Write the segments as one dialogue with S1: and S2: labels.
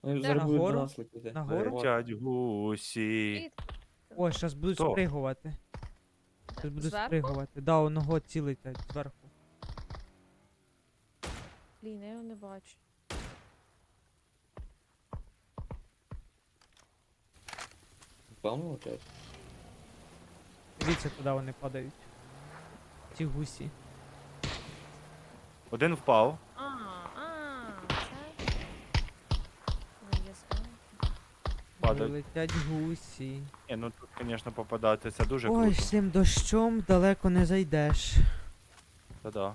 S1: Вони
S2: Де?
S1: зараз будуть до
S3: Нагору?
S1: нас летіти.
S3: Нагору?
S1: От.
S2: Летять гусі. І
S3: Ой, зараз будуть
S2: Хто?
S3: спригувати. Зараз будуть
S2: зверху?
S3: спригувати. Да, одного ці летять зверху.
S2: Блін, я його не бачу.
S1: Певно летять.
S3: Дивіться, куди вони падають. Ці гусі.
S2: Один впав. Це? Ну, є справа. Падають.
S3: Летять гусі.
S2: Ні, ну тут, звісно, попадати це дуже
S3: Ой,
S2: круто.
S3: з цим дощом далеко не зайдеш.
S2: Та-да.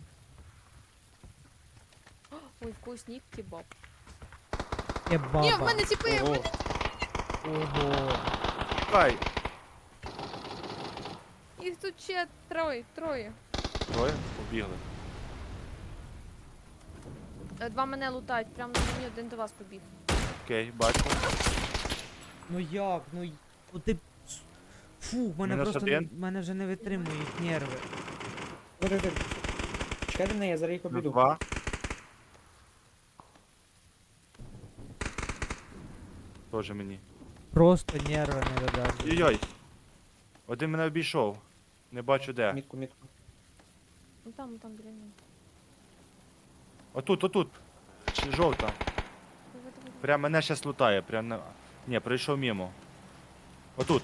S2: Ой, вкусні кебаб.
S3: Є баба.
S2: Ні, в мене тіпи!
S1: Ого.
S3: Ого.
S2: Чекай! Їх тут ще троє. Троє? Побігли. Два мене лутають, прямо на мені один до вас побіг. Окей, бачу.
S3: Ну як? Ну ти... Фу, в мене
S2: Мінус
S3: просто...
S2: один.
S3: В мене вже не витримують нерви.
S1: Подожди. Чекайте мене, я зараз їх
S2: Плюс
S1: обійду.
S2: два. Тоже мені.
S3: Просто нерви не видержують.
S2: Ой-ой. Один мене обійшов. Не бачу де.
S1: Мітку.
S2: Ну там біля мене. Отут. Жовта. Давай. Прям мене щас лутає. Прям на... Ні, пройшов мимо. Отут.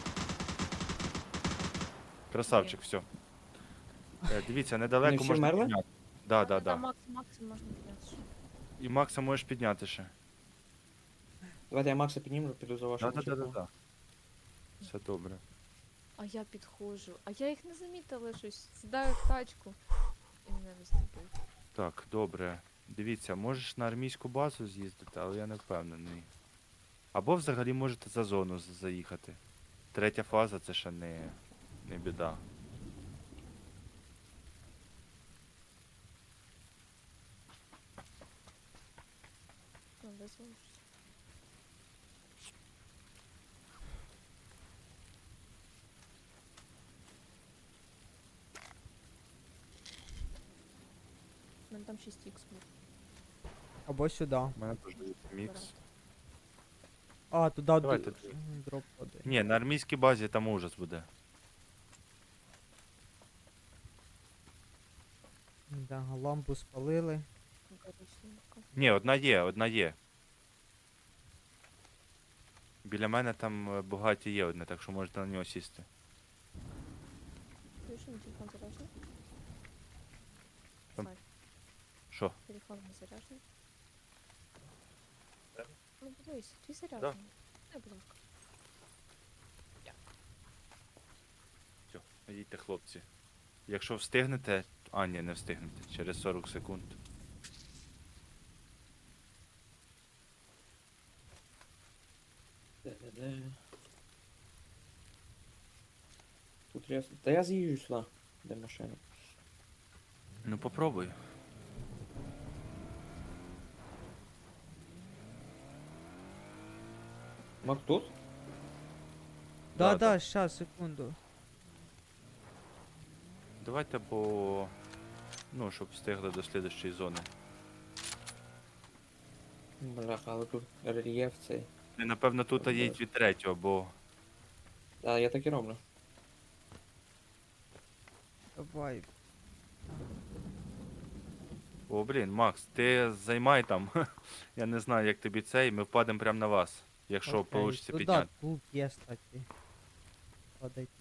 S2: Красавчик, все. Дивіться,
S1: Вони
S2: недалеко
S1: всі
S2: можна
S1: вмерли?
S2: підняти. Да.
S3: Ну,
S2: Да. Максим можна підняти. І Макса можеш підняти ще.
S1: Давайте я Макса підніму, піду за вашим чеком.
S2: Да. Все добре. А я підходжу. А я їх не замітила щось. Сідаю в тачку. І мене виступить.
S3: Так,
S2: Добре. Дивіться, можеш на армійську базу з'їздити, але я не впевнений. Або взагалі можете за зону заїхати. Третя фаза це ще не біда. Ну, визволиш. У мене там 6 х був.
S3: Або сюди.
S2: У мене теж є мікс.
S3: А, туди
S2: Давайте.
S3: дроп один.
S2: Ні, на армійській базі там ужас буде.
S3: Да, лампу спалили.
S2: Ні, одна є. Біля мене там багаті є одне, так що можете на нього сісти.
S4: Телефон заряжен?
S2: Там.
S4: Слайд,
S2: Що?
S4: телефон не заряжен? Ну, подивись, твій
S2: Да.
S4: заряджений. Не, будь ласка.
S2: Все, їдьте, хлопці. Якщо встигнете. А, ні, не встигнете. Через 40 секунд.
S1: Де? Тут я... Та я з'їжджу сюди, де машина.
S2: Ну попробуй.
S1: Мак тут?
S2: Да,
S3: Да, щас, секунду.
S2: Давайте по. Ну, щоб встигли до слідущої зони.
S1: Бляха, але тут рельєф цей.
S2: І, напевно, тут їдь від третього, бо.
S1: Так, я так і роблю.
S3: Давай.
S2: О, блін, Макс, ти займай там. Я не знаю, як тобі цей, ми впадемо прямо на вас. Якщо
S3: Окей,
S2: вийде
S3: туди
S2: підняти.
S3: тут є, кстати. Падайте.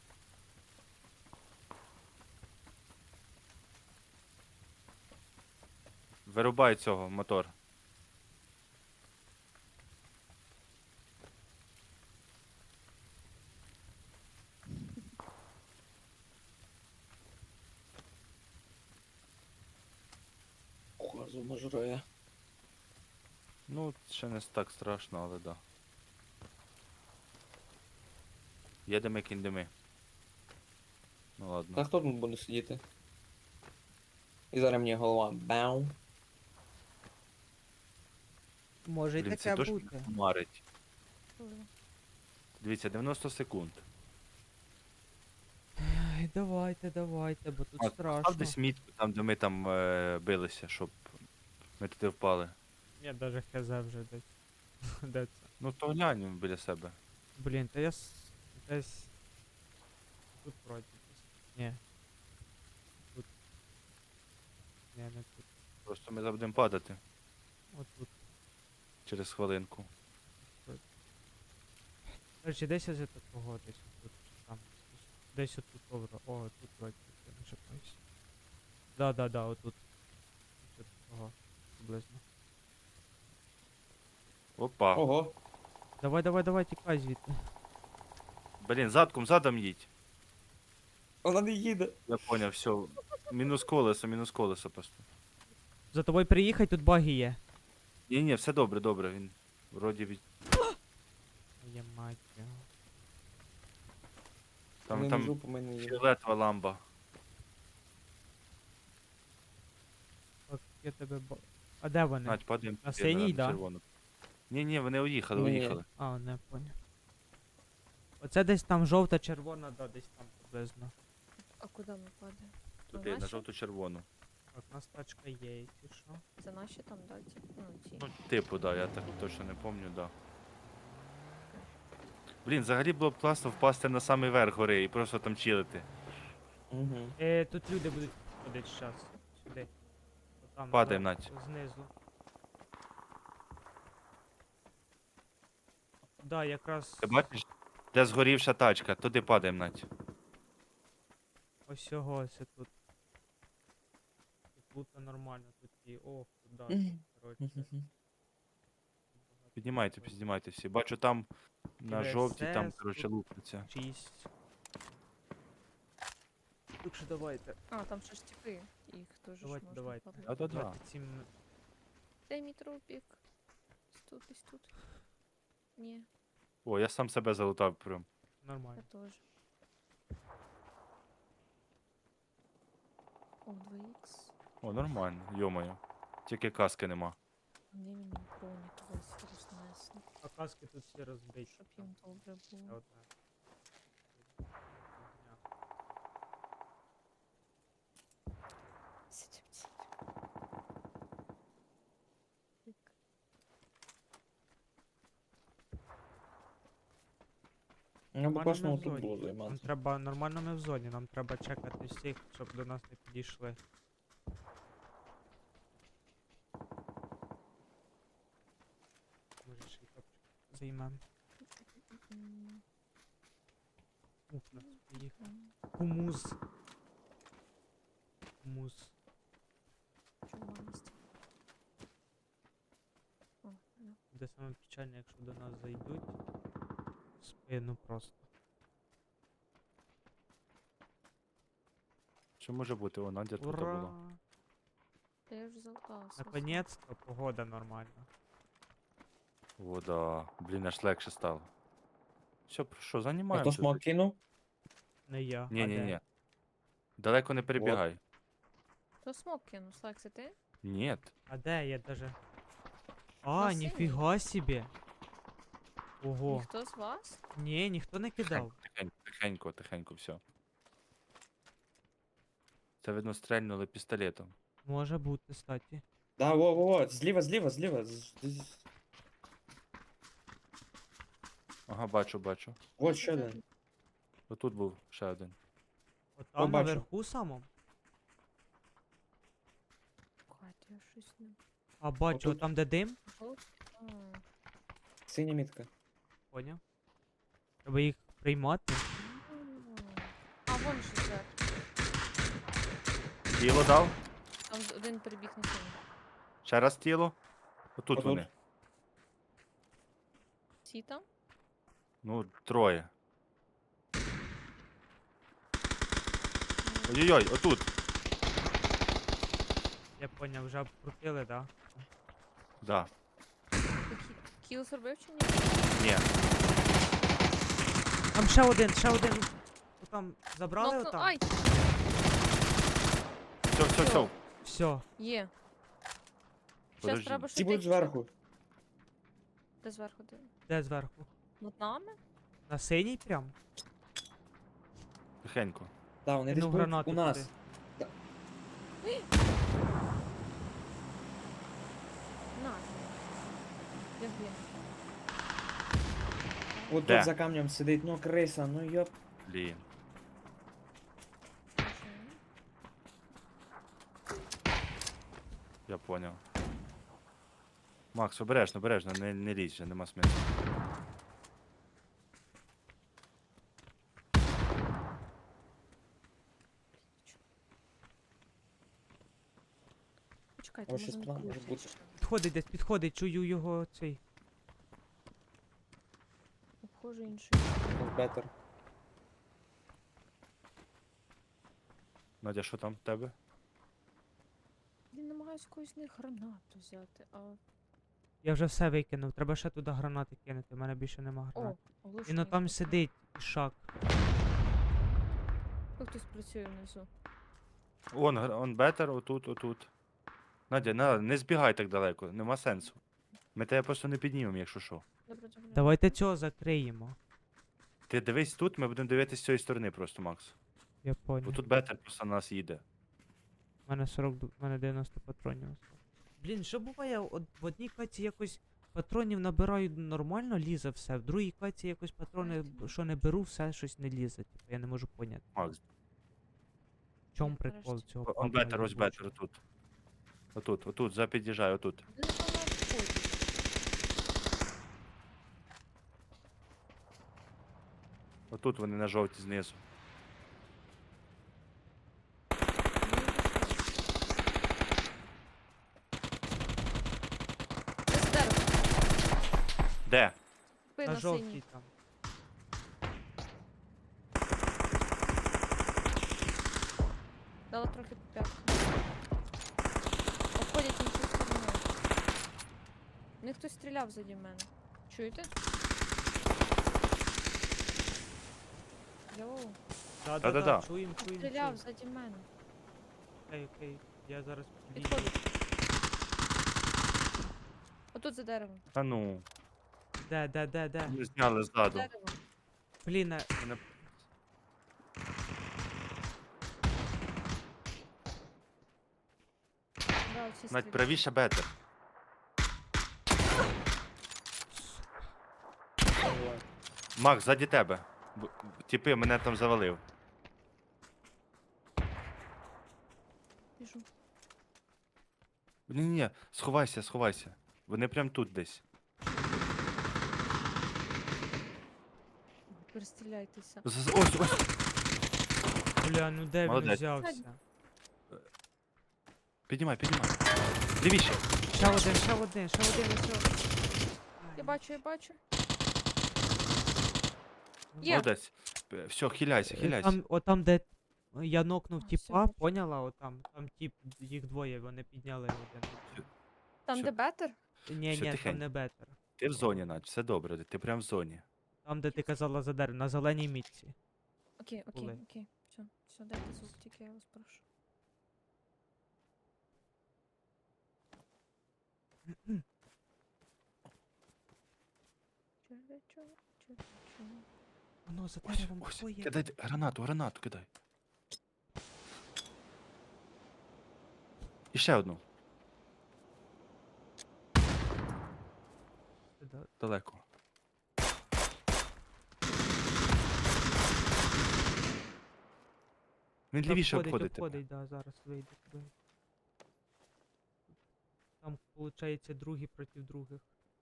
S2: Вирубай цього мотор.
S1: Газу жрує.
S2: Ну, ще не так страшно, але да. Їдемо кіндеми. Ну ладно.
S1: Та хто тут буде сидіти? І зараз мені голова. Бау.
S3: Може і
S2: Блін, це
S3: таке
S2: точно
S3: бути.
S2: марить. Дивіться, 90 секунд.
S3: Ай, давайте, бо тут
S2: Став
S3: страшно.
S2: десь мітку там, де ми там билися, щоб ми туди впали.
S3: Я даже хз вже десь. Де це?
S2: Ну то глянь біля себе.
S3: Блін, та я десь. Тут вроді десь. Ні. Тут. Ні, не тут.
S2: Просто ми будемо падати
S3: От тут.
S2: через хвилинку.
S3: Короче, десь із такого, десь тут. Там. Десь отут добре. О, тут вроді, я не ошибаюсь. Да, отут. Тут такого. Приблизно.
S2: Опа.
S1: Ого.
S3: Давай, тікай звідти.
S2: Блін, задом їдь.
S1: Вона не їде.
S2: Я поняв, все. Мінус колесо просто.
S3: За тобою приїхать, тут баги є.
S2: Ні, все добре, він вроді від.
S3: Є мать його.
S1: Вони
S2: Там
S1: на жопу мене їде.
S2: фіолетова ламба.
S3: Так, я тебе А де вони?
S2: Надь, падаємо.
S3: На синій, да?
S2: червону. Ні, вони уїхали,
S1: Ні.
S2: уїхали.
S3: А, не поняв. Оце десь там жовта, червона, да, десь там приблизно.
S4: А куди ми падаємо?
S2: Туди, на
S4: наші?
S2: жовто-червону.
S3: Так, у нас тачка є, якщо що.
S4: Це наші там, да, ті? Ну, ті.
S2: Ну, типу, да, я так точно не пам'ятаю, да. Блін, взагалі було б класно впасти на самий верх гори і просто там чилити.
S1: Угу.
S3: Тут люди будуть ходити зараз. Сюди. Отам,
S2: Падаємо,
S3: да,
S2: Надь.
S3: знизу. Да, якраз
S2: Ти бачиш, де згорівша тачка, туди падаємо, Надь.
S3: ось цього ось тут. Тут нормально, тут і ох, тут, да,
S1: Мгм.
S3: тут, коротше.
S2: Піднімайте всі. Бачу там на
S3: ВСС
S2: жовтій, там,
S3: тут.
S2: коротше, лупиться.
S3: 6. Так що давайте.
S4: А, там ще ж типи. Їх теж ж
S3: Давайте,
S4: можна
S3: давайте.
S4: падати.
S2: Да-да-да.
S3: 27
S4: Де мій трупік? Десь тут. Ні,
S2: О, я сам себе залутав прям.
S4: я
S3: нормально.
S4: теж. О, 2х.
S2: О, нормально, йомаю. Тільки каски нема.
S4: Ні, мені бронік весь рознесли.
S3: А каски тут всі розбиті.
S4: Щоб їм добре
S3: Ще
S4: було.
S3: одна. Фігня.
S4: Сидім.
S1: Ну,
S3: Нормально
S1: класно
S3: ми в
S1: тут
S3: зоні.
S1: було
S3: Нам
S1: займатися.
S3: треба нормально ми в зоні, нам треба чекати всіх, щоб до нас не підійшли. Може ще й топчик займем.
S4: М,
S3: Ух, нас приїхав.
S4: м.
S3: Хумус. Хумус.
S4: Чуманість. О, ну.
S3: Буде саме печальне, якщо до нас зайдуть. В спину просто.
S2: Що може бути? О, Надя тут
S3: Ура!
S2: була.
S4: Та я вже залуталася.
S3: Наконец-то погода нормальна.
S2: О, да. Блін, аж легше стало. Все, що,
S1: А хто
S2: займаємося?
S1: смок кинув?
S3: Не я.
S2: Ні,
S3: а
S2: ні,
S3: де?
S2: ні. Далеко не перебігай.
S4: Хто смок кинув? Слайк, це ти?
S2: Ні.
S3: А де я даже? А,
S4: На синій.
S3: ніфіга собі. Ого.
S4: Ніхто з вас?
S3: Ні, ніхто не кидав.
S2: Тихенько, все. Це видно стрельнули пістолетом.
S3: Може бути, кстати.
S1: Да, во. Зліва.
S2: Ага, бачу.
S1: Вот ще один.
S2: Отут був ще один.
S3: Отам
S1: бачу.
S3: наверху самому.
S4: Катя, я щось не...
S3: А бачу,
S1: Отут.
S3: там де дим.
S4: Жовт? А,
S1: Синя мітка.
S3: Поняв. Треба їх приймати.
S4: А, вон ще зверху.
S2: Тіло дав?
S4: Там один перебіг на синій.
S2: Ще раз тіло. Отут
S1: Отут.
S2: вони.
S4: Всі там?
S2: Ну, троє. Ой-ой-ой, отут.
S3: Я поняв, вже обкрутили, да?
S2: Да.
S4: Кіл зробив чи ні?
S2: Ні.
S3: Там ще один. Отам забрали
S4: Нокнув-
S3: отам?
S4: Ай!
S2: Все.
S3: Все.
S4: Є. Щас
S2: Подожди.
S4: треба
S1: Ті будуть зверху.
S4: Де зверху? Де?
S3: Де зверху?
S4: Над нами?
S3: На синій прям?
S2: Тихенько.
S1: Да, вони десь
S3: Кину
S1: будуть
S3: гранату
S1: у нас.
S3: туди.
S4: На. Блін.
S1: От
S2: Де?
S1: тут за камнем сидить, ну криса, ну йоп.
S2: Блін.
S4: Боже.
S2: Я поняв. Макс, обережно, обережно, не лізь вже, нема смислу.
S4: Почекайте,
S1: Ось щось
S4: може
S1: план
S4: не
S1: може бути.
S3: Підходить десь, підходить, чую його цей.
S4: Обхожу інший.
S1: Бетер.
S2: Надя, що там в тебе?
S4: Він намагаюся когось з них гранату взяти, а...
S3: Я вже все викинув, треба ще туди гранати кинути, в мене більше нема
S4: О,
S3: гранат.
S4: оглушений.
S3: Він отам сидить, ішак.
S4: Тут хтось працює внизу.
S2: Он бетер, отут, отут. Надя, не збігай так далеко, нема сенсу. Ми тебе просто не піднімемо, якщо що.
S4: Добре, добре.
S3: Давайте цього закриємо.
S2: Ти дивись тут, ми будемо дивитися з цієї сторони просто, Макс.
S3: Я понял.
S2: Бо тут бетер просто на нас їде.
S3: У мене 40, у мене 90 патронів. осталось. Блін, що буває, в одній каці якось патронів набираю нормально, лізе все, в другій каці якось патрони, що не беру, все щось не лізе. Типу, я не можу поняти.
S2: Макс,
S3: В чому
S4: Я
S3: прикол
S4: нарешті.
S3: цього?
S2: он
S3: папа
S2: бетер, ось
S3: єбучого?
S2: бетер, отут. Отут, отут, запід'їжджай, отут.
S4: Вони там на вході.
S2: Отут вони на жовті знизу.
S4: Десь дерево.
S2: Де?
S4: Спина
S3: На жовтій
S4: синій.
S3: там.
S4: Дала трохи по п'ятку. Обходять іншою стороною. В них хтось стріляв заді мене. Чуєте? Йоу.
S2: Да-да-да.
S3: Чуєм, чуєм,
S4: Стріляв
S3: чуєм.
S4: заді мене.
S3: Окей, окей, я зараз підійду.
S4: Підходить. Отут за деревом.
S2: Та ну,
S3: Де?
S2: ми зняли ззаду.
S4: Дерево.
S3: Блін,
S2: Мене-
S4: Да, оці
S2: Навіть
S4: стріляють.
S2: правіше бетер. Макс, ззаді тебе. Тіпи, мене там завалив.
S4: Біжу.
S2: Ні-ні, сховайся, сховайся. Вони прям тут десь.
S4: Перестріляйтеся.
S2: Ось.
S3: бля, ну де він
S2: Молодець.
S3: взявся?
S2: Піднімай. Лівіше.
S3: Ще один,
S4: Я бачу. Є.
S2: Молодець. Все, хиляйся.
S3: Отам, де я нокнув
S4: А,
S3: тіпа,
S4: всё,
S3: поняла? Отам, там тіп, їх двоє, вони підняли один.
S4: Там,
S2: Всё.
S4: де бетер?
S3: Ні,
S2: Всё,
S3: там
S2: тихенько.
S3: не бетер.
S2: Ти в зоні, Надь, все добре, ти прям в зоні.
S3: Там, де ти казала за дерево, на зеленій мітці.
S4: Окей.
S3: Були.
S4: Все, дайте звук, тільки я вас прошу.
S3: Воно за
S2: Ось,
S3: деревом
S2: ось.
S3: двоє.
S2: Кидай гранату кидай. І ще одну.
S3: Да,
S2: Далеко. Він лівіше обходить тебе.
S3: обходить, да, зараз вийде туди. Там, виходить, другі проти других.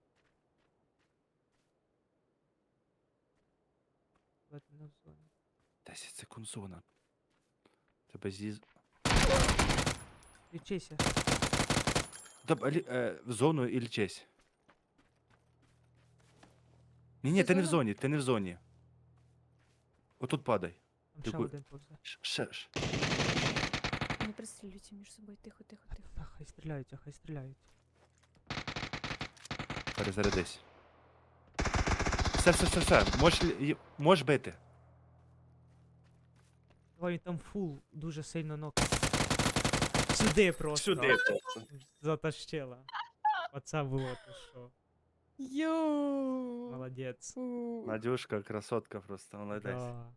S3: Ледь не в зоні.
S2: 10 секунд зона. Тебе зі...
S3: Лічися.
S2: В зону і лічись. Ні,
S4: Це
S2: ти не в
S4: зона?
S2: зоні, ти не в зоні. Отут падай.
S3: Там
S2: Ти
S3: ще
S2: ку-
S3: один повзе.
S2: Ще.
S4: Не пристрілюйте між собою, тихо.
S3: Та хай стріляють.
S2: Перезарядись. Все. Можеш бити.
S3: Давай він там фул дуже сильно нок. Сюди просто. Затащила. Оце було то що.
S4: Йоу!
S3: Молодець.
S2: Надюшка, красотка просто, молодець.
S3: Да.